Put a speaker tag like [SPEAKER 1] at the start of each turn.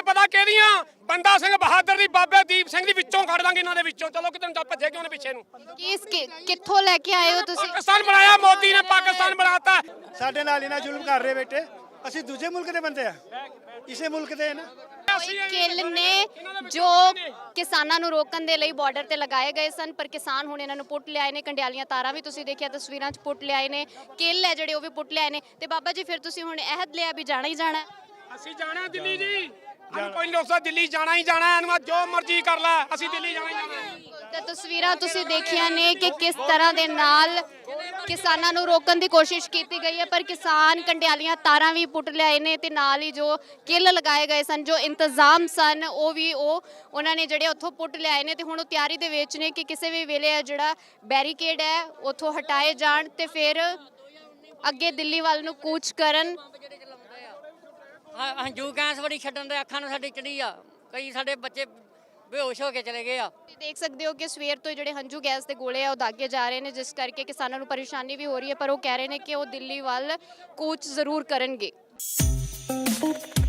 [SPEAKER 1] ਪਤਾ ਕਿਹਦੀਆਂ ਬੰਦਾ ਸਿੰਘ ਬਹਾਦਰ ਦੀ ਬਾਬੇ ਦੀਪ ਸਿੰਘ ਦੀ ਵਿੱਚੋਂ ਕੱਢ ਦਾਂਗੇ ਇਹਨਾਂ ਦੇ ਵਿੱਚੋਂ। ਚਲੋ ਕਿਤੇ ਨੂੰ ਭੱਜੇ ਕਿਉਂ ਨੇ ਪਿੱਛੇ ਨੂੰ।
[SPEAKER 2] ਕਿੱਥੋਂ ਲੈ ਕੇ ਆਏ ਹੋ ਤੁਸੀਂ?
[SPEAKER 1] ਪਾਕਿਸਤਾਨ ਬਣਾਇਆ ਮੋਦੀ ਨੇ, ਪਾਕਿਸਤਾਨ ਬਣਾਤਾ।
[SPEAKER 3] ਸਾਡੇ ਨਾਲ ਇਹਨਾਂ ਜ਼ੁਲਮ ਕਰ ਰਹੇ ਬੇਟੇ। ਅਸੀਂ ਦੂਜੇ ਮੁਲਕ ਦੇ ਬੰਦੇ ਆ, ਇਸੇ ਮੁਲਕ ਦੇ ਨਾ।
[SPEAKER 2] ਕਿੱਲ ਨੇ ਜੋ ਕਿਸਾਨਾਂ ਨੂੰ ਰੋਕਣ ਦੇ ਲਈ ਬਾਰਡਰ ਤੇ ਲਗਾਏ ਗਏ ਸਨ, ਪਰ ਕਿਸਾਨ ਹੁਣ ਇਹਨਾਂ ਨੂੰ ਪੁੱਟ ਲਿਆਏ ਨੇ। ਕੰਡਿਆਲੀਆਂ ਤਾਰਾਂ ਵੀ ਤੁਸੀਂ ਦੇਖਿਆ ਤਸਵੀਰਾਂ 'ਚ ਪੁੱਟ ਲਿਆਏ ਨੇ, ਕਿੱਲ ਹੈ ਜਿਹੜੇ ਉਹ ਵੀ ਪੁੱਟ ਲਿਆਏ ਨੇ। ਤੇ ਬਾਬਾ ਜੀ ਫਿਰ ਤੁਸੀਂ ਹੁਣ ਅਹਿਦ ਲਿਆ ਵੀ ਜਾਣਾ ਹੀ ਜਾਣਾ?
[SPEAKER 1] ਅਸੀਂ ਜਾਣਾ ਦਿੱਲੀ ਜੀ, ਕੋਈ ਲੋਸਾ ਦਿੱਲੀ ਜਾਣਾ ਹੀ ਜਾਣਾ। ਇਹਨੂੰ ਜੋ ਮਰਜ਼ੀ ਕਰ ਲੈ, ਅਸੀਂ ਦਿੱਲੀ ਜਾਣਾ ਹੀ ਜਾਣਾ।
[SPEAKER 2] ਤੇ ਤਸਵੀਰਾਂ ਤੁਸੀਂ ਦੇਖੀਆਂ ਨੇ ਕਿ ਕਿਸ ਤਰ੍ਹਾਂ ਦੇ ਨਾਲ ਕਿਸਾਨਾਂ ਨੂੰ ਰੋਕਣ ਦੀ ਕੋਸ਼ਿਸ਼ ਕੀਤੀ ਗਈ ਹੈ, ਪਰ ਕਿਸਾਨ ਕੰਡਿਆਲੀਆਂ ਤਾਰਾਂ ਵੀ ਪੁੱਟ ਲਿਆਏ ਨੇ ਤੇ ਨਾਲ ਹੀ ਜੋ ਕਿੱਲ ਲਗਾਏ ਗਏ ਸਨ, ਜੋ ਇੰਤਜ਼ਾਮ ਸਨ, ਉਹਨਾਂ ਨੇ ਜਿਹੜੇ ਉੱਥੋਂ ਪੁੱਟ ਲਿਆਏ ਨੇ। ਤੇ ਹੁਣ ਉਹ ਤਿਆਰੀ ਦੇ ਵਿੱਚ ਨੇ ਕਿ ਕਿਸੇ ਵੀ ਵੇਲੇ ਜਿਹੜਾ ਬੈਰੀਕੇਡ ਹੈ ਉੱਥੋਂ ਹਟਾਏ ਜਾਣ ਤੇ ਫਿਰ ਅੱਗੇ ਦਿੱਲੀ ਵੱਲ ਨੂੰ ਕੂਚ ਕਰਨ।
[SPEAKER 4] ਹੰਝੂ ਗੈਸ ਬੜੀ ਛੱਡਣ ਦੇ ਅੱਖਾਂ ਨੂੰ ਸਾਡੀ ਚੜੀ ਆ, ਕਈ ਸਾਡੇ ਬੱਚੇ ਬੇਹੋਸ਼ ਹੋ ਕੇ ਚਲੇ ਗਏ ਆ।
[SPEAKER 2] ਦੇਖ ਸਕਦੇ ਹੋ ਕਿ ਸਵੇਰ ਤੋਂ ਜਿਹੜੇ ਹੰਝੂ ਗੈਸ ਦੇ ਗੋਲੇ ਆ ਉਹ ਦਾਗੇ ਜਾ ਰਹੇ ਨੇ, ਜਿਸ ਕਰਕੇ ਕਿਸਾਨਾਂ ਨੂੰ ਪਰੇਸ਼ਾਨੀ ਵੀ ਹੋ ਰਹੀ ਹੈ। ਪਰ ਉਹ ਕਹਿ ਰਹੇ ਨੇ ਕਿ ਉਹ ਦਿੱਲੀ ਵੱਲ ਕੂਚ ਜ਼ਰੂਰ ਕਰਨਗੇ।